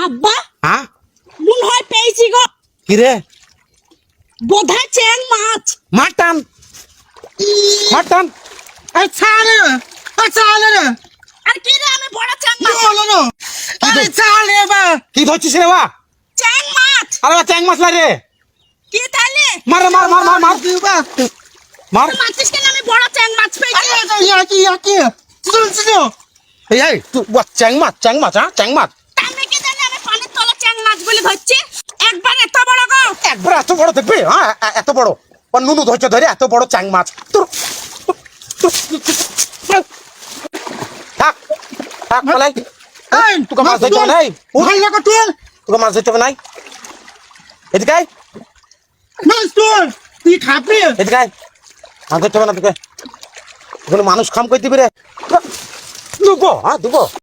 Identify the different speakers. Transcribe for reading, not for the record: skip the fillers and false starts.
Speaker 1: আব্বা
Speaker 2: হ্যাঁ
Speaker 1: মনে হয় পেয়েছি গো।
Speaker 2: কি রে?
Speaker 1: বোধহয় চ্যাং মাছ।
Speaker 2: মাটন মাটন
Speaker 3: আচ্ছা রে
Speaker 1: আর কি রে, আমি বড় চ্যাং মাছ।
Speaker 3: বলো আরে চালে বা
Speaker 2: কি ধরছিস রে বা?
Speaker 1: চ্যাং মাছ।
Speaker 2: আরে বা চ্যাং মাছ রে।
Speaker 1: কি তাহলে
Speaker 2: মার রে, মার মার মার মার
Speaker 3: দিবা
Speaker 2: মার।
Speaker 1: মাছিস কেন? আমি বড় চ্যাং মাছ পেয়েছি।
Speaker 3: ইয়াকি চলো
Speaker 2: এই তুই চ্যাং মাছ হ্যাঁ চ্যাং মাছ।
Speaker 1: আমি কি জানি, আমি পানির তলা চ্যাং মাছ বলে ধরছি। একবার এত বড় গো।
Speaker 2: একবার এত বড় দেখবে হ্যাঁ এত বড় নুনু ধরছে ধরে এত বড় চ্যাং মাছ তোর থাক থাক পালাই। তোকে মাছ ধরতে হবে নাই,
Speaker 3: ভাই লাগা তুই
Speaker 2: তোকে মাছ ধরতে হবে নাই। এদিকে আয়,
Speaker 3: মাছ তুই খাবি
Speaker 2: এদিকে আয়। মাছ ধরতে হবে না তোকে, ওখানে মানুষ খাম করে দিবি রে। দুবো হ্যাঁ দুবো।